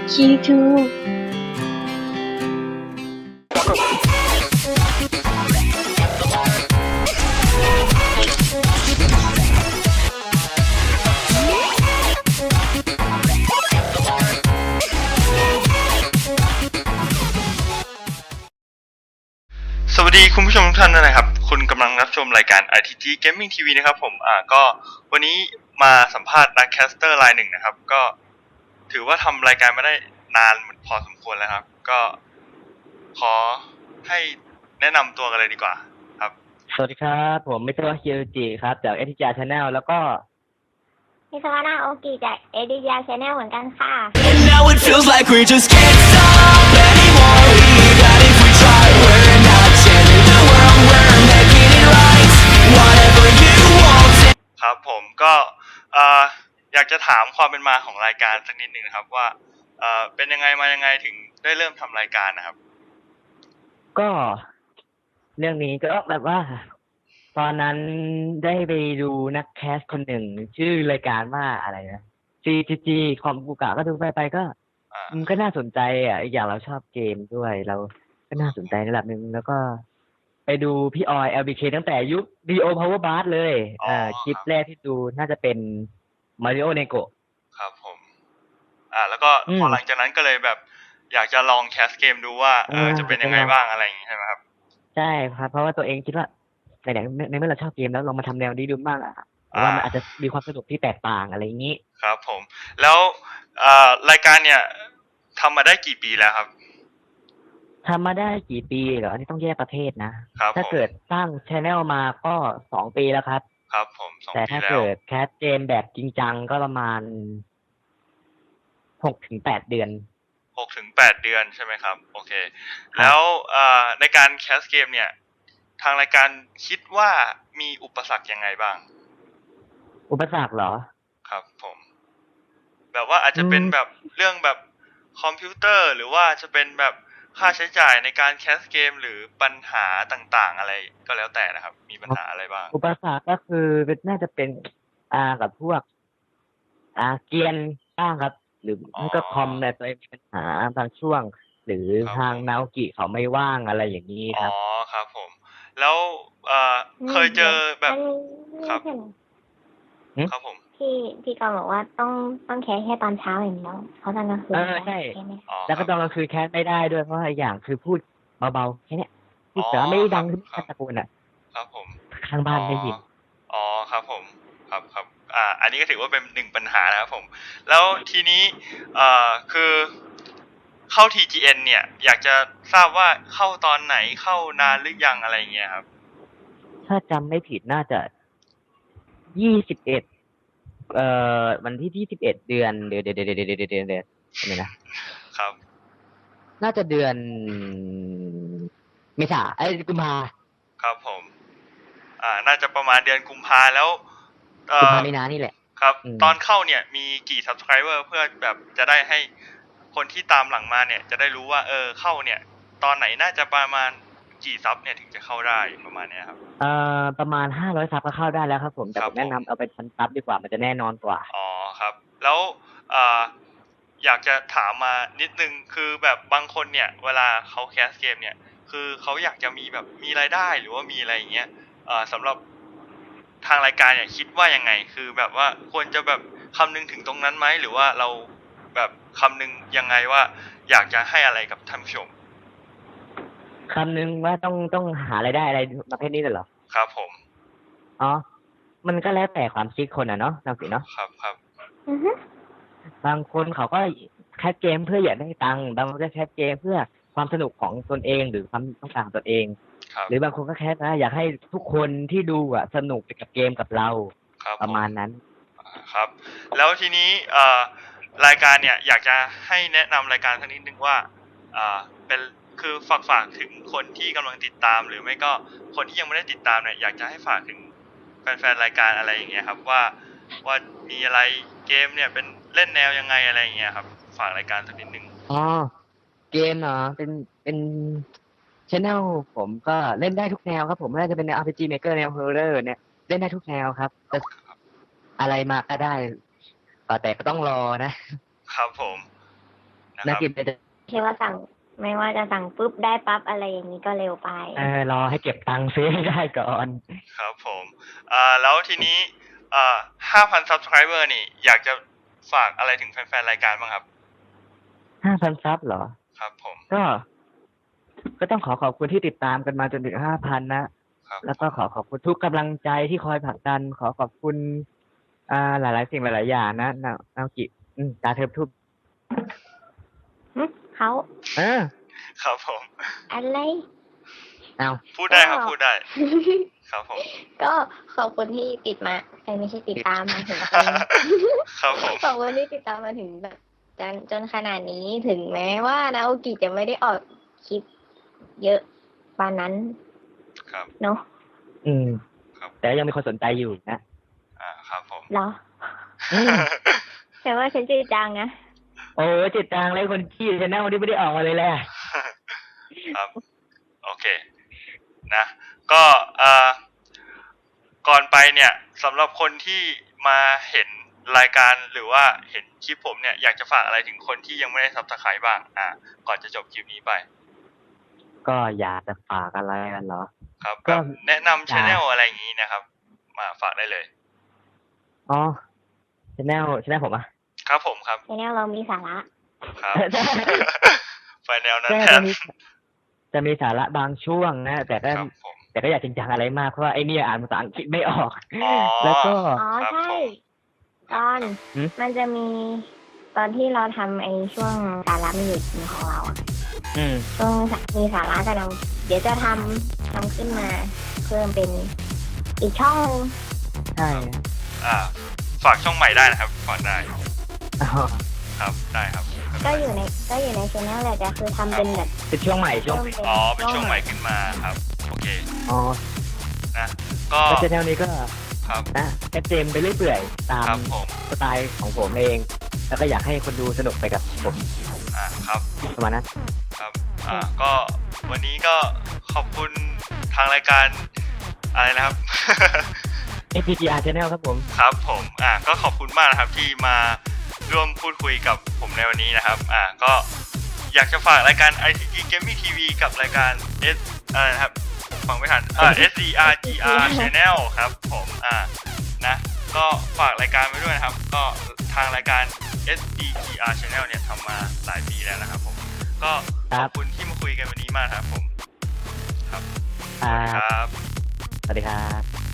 Q2 สวัสดีคุณผู้ชมทุกท่านนะครับ คุณกำลังรับชมรายการ ITG Gaming TV นะครับผมก็วันนี้มาสัมภาษณ์นักแคสเตอร์รายหนึ่งนะครับก็ถือว่าทำรายการมาได้นานพอสมควรแล้วครับก็ขอให้แนะนำตัวกันเลยดีกว่าครับสวัสดีครับผมมิสเตอร์คิวจิครับจากเอทิจาชาแนลแล้วก็มิสวานาโอกิจากเอดิยาชาแนลเหมือนกันค่ะ And now it feels like we just can't stop anymore. Even if we try, we're not changing the world, we're making it right. Whatever you want. ครับผมก็อยากจะถามความเป็นมาของรายการสักนิดนึงนะครับว่าเป็นยังไงมายังไงถึงได้เริ่มทำรายการนะครับก็เรื่องนี้ก็แบบว่า ตอนนั้นได้ไปดูนักแคสคนหนึ่ง ชื่อรายการว่าอะไรนะ CGG คอมกูกะก็ดูไปก็มันก็น่าสนใจอีกอย่างเราชอบเกมด้วย เราก็น่าสนใจในระดับหนึ่งแล้วก็ไปดูพี่ออย LBK ตั้งแต่ยุค Dio Power Bar เลยคลิปแรกที่ดูน่าจะเป็น Mario Nego ครับผมแล้วก็พอหลังจากนั้นก็เลยแบบอยากจะลองแคสเกมดูว่าจะเป็นยังไงบ้างอะไรอย่างงี้ใช่ไหมครับใช่ครับเพราะว่าตัวเองคิดว่าในเมื่อเราชอบเกมแล้วลองมาทำแนวนี้ดูบ้างว่ามันอาจจะมีความสนุกที่แตกต่างอะไรอย่างนี้ครับผมแล้วรายการเนี่ยทำมาได้กี่ปีแล้วครับทำมาได้กี่ปีเหรออันนี้ต้องแยกประเภทนะครับถ้าผมเกิดสร้างชแนลมาก็2 ปีแล้วครับครับผม2 แต่ปีถ้าแล้วเกิดแคสเกมแบบจริงจังก็ประมาณ6 ถึง 8 เดือน 6 ถึง 8 เดือนใช่ไหมครับโอเคแล้วในการแคสเกมเนี่ยทางรายการคิดว่ามีอุปสรรคยังไงบ้างอุปสรรคเหรอครับผมแบบว่าอาจจะเป็นแบบเรื่องแบบคอมพิวเตอร์หรือว่าจะเป็นแบบค่าใช้จ่ายในการแคสเกมหรือปัญหาต่างๆอะไรก็แล้วแต่นะครับมีปัญหาอะไรบ้างอุปสรรคก็คือน่าจะเป็นกับพวกเกรียนบ้างครับ หรือไม่ก็คอมในตัวเองมีปัญหาบางช่วง หรือทางนาโอกิเขาไม่ว่างอะไรอย่างนี้ครับครับผมแล้วเคยเจอแบบครับครับผมพี่กอบอกว่าต้องแคสแค่ตอนเช้าอย่างเดียวเขาตอนกลางคืนใช่แล้วก็ตอนกลางคืนแคสไม่ได้ด้วยเพราะอย่างคือพูดเบาๆแค่นี้พูดแต่ไม่ดังขึ้นตะโกนครับผมข้างบ้านได้ยินครับผมครับอันนี้ก็ถือว่าเป็นหนึ่งปัญหานะครับผมแล้วทีนี้คือเข้า TGN เนี่ยอยากจะทราบว่าเข้าตอนไหนเข้านานหรือยังอะไรเงี้ยครับถ้าจำไม่ผิดน่าจะ21วันที่21เดือนเดือนอะไรนะครับน่าจะเดือนเมษากุมภาครับผมน่าจะประมาณเดือนกุมภาแล้วกุมภามีนานี่แหละครับตอนเข้าเนี่ยมีกี่ subscriber เพื่อแบบจะได้ให้คนที่ตามหลังมาเนี่ยจะได้รู้ว่าเข้าเนี่ยตอนไหนน่าจะประมาณกี่ซับเนี่ยถึงจะเข้าได้ประมาณเนี้ยครับประมาณ500ซับก็เข้าได้แล้วครับผมแต่ผมแนะนำเอาเป็นพันซับดีกว่ามันจะแน่นอนกว่าครับแล้วอยากจะถามมานิดนึงคือแบบบางคนเนี่ยเวลาเขาแคสเกมเนี่ยคือเขาอยากจะมีแบบมีรายได้หรือว่ามีอะไรอย่างเงี้ยสำหรับทางรายการเนี่ยคิดว่ายังไงคือแบบว่าควรจะแบบคำนึงถึงตรงนั้นไหมหรือว่าเราแบบคำนึงยังไงว่าอยากจะให้อะไรกับท่านผู้ชมคำนึงว่าต้องหารายได้อะไรประเภทนี้เลยเหรอครับผมมันก็แล้วแต่ความคิดคนเนาะนักสิเนาะครับบางคนเขาก็แคสเกมเพื่ออยากได้ตังค์บางคนก็แคสเกมเพื่อความสนุกของตนเองหรือความต้องการของตนเองหรือบางคนก็แคสอยากให้ทุกคนที่ดูสนุกไปกับเกมกับเราประมาณนั้นครับแล้วทีนี้รายการเนี่ยอยากจะให้แนะนำรายการสักนิดนึงว่าเป็นคือฝากถึงคนที่กำลังติดตามหรือไม่ก็คนที่ยังไม่ได้ติดตามเนี่ยอยากจะให้ฝากถึงแฟนๆรายการอะไรอย่างเงี้ยครับว่ามีอะไรเกมเนี่ยเป็นเล่นแนวยังไงอะไรอย่างเงี้ยครับฝากรายการสักนิดนึงเกมเหรอเป็นchannel ผมก็เล่นได้ทุกแนวครับผมไม่ว่าจะเป็นแนว RPG Maker แนว Horror เนี่ยเล่นได้ทุกแนวครับแต่อะไรมาก็ได้แต่ก็ต้องรอนะครับผมนะคนักรับกิจจะคิดว่าสั่งไม่ว่าจะสั่งปุ๊บได้ปั๊บอะไรอย่างนี้ก็เร็วไปรอให้เก็บตังค์ซื้อให้ได้ก่อนครับผมแล้วทีนี้5,000 subscriber นี่อยากจะฝากอะไรถึงแฟนๆรายการบ้างครับ 5,000 ซับเหรอครับผมก็ต้องขอบคุณที่ติดตามกันมาจนถึง 5,000 นะครับแล้วก็ขอบคุณทุกกำลังใจที่คอยผลักดัน ขอบคุณหลายๆสิ่งหลายๆอย่างนะนาโอกิตาเทิบทุบเขาครับผมอะไรเอาพูดได้ครับพูดได้ ครับผมก็ขอบคุณที่ติดมาไม่ใช่ติดตามมาถึงครับผมขอบคุณที่ติดตามมาถึงแบบจนขนาดนี้ถึงแม้ว่านาโอกิจะไม่ได้ออกคลิปเยอะปานนั้นครับเนาะครับแต่ยังมีคนสนใจอยู่นะครับผมเหรออืมแต่ว่าฉันจริงจังนะโอ้จิตตังเลยคนขี้ชแนลที่ไม่ได้ออกมาเลยแหละครับ โอเค นะ ก็ก่อนไปเนี่ยสำหรับคนที่มาเห็นรายการหรือว่าเห็นคลิปผมเนี่ยอยากจะฝากอะไรถึงคนที่ยังไม่ได้ซับสไครต์บ้างก่อนจะจบคลิปนี้ไปก็อยากจะฝากอะไรกันเหรอครับก็แบบแนะนำชแนลอะไรอย่างนี้นะครับ มาฝากได้เลยอ๋อชแนลผมอ่ะครับผมครับในแนวเรามีสาระครับ ไฟแนวนั้นก็แทนจะมีสาระบางช่วงนะ แต่ก็ครับผมอยากจริงจังอะไรมาก เพราะว่าไอเนี่ยอ่านภาษาอังกฤษไม่ออกอ๋อแล้วก็อ๋อครับใช่ผมตอนหืมมันจะมีตอนที่เราทำไอ้ช่วงสาระมีอยู่ของเราอะอืมช่วงมีสาระกันเราเดี๋ยวจะทำขึ้นมา เพิ่มเป็นอีกช่องใช่ฝากช่องใหม่ได้นะครับฝากได้อ๋อครับ ได้ครับก็อยู่ในช่องแหละแต่คือทำเป็นแบบเป็นช่วงใหม่ช่วงอ๋อ เป็นช่วงใหม่ขึ้นมาครับ โอเคอ๋อนะ ก็แล้วชแนลนี้ก็ครับนะแค่เจมไปเรื่อยเปื่อยตามครับผมสไตล์ของผมเอง แล้วก็อยากให้คนดูสนุกไปกับผมครับประมาณนั้นครับ ก็วันนี้ก็ขอบคุณทางรายการอะไรนะครับ FPGR Channel ครับผมครับผม ก็ขอบคุณมากนะครับที่มาร่วมพูดคุยกับผมในวันนี้นะครับ ก็อยากจะฝากรายการ ICG Gaming TV กับรายการ อะไรนะครับผมฟังไม่ทันSDRGR Channel ครับผม นะ ก็ฝากรายการไว้ด้วยนะครับ ก็ทางรายการ SDGR Channel เนี่ยทำมาหลายปีแล้วนะครับผม ก็ขอบคุณที่มาคุยกันวันนี้มากครับผม ครับครับครับสวัสดีครับ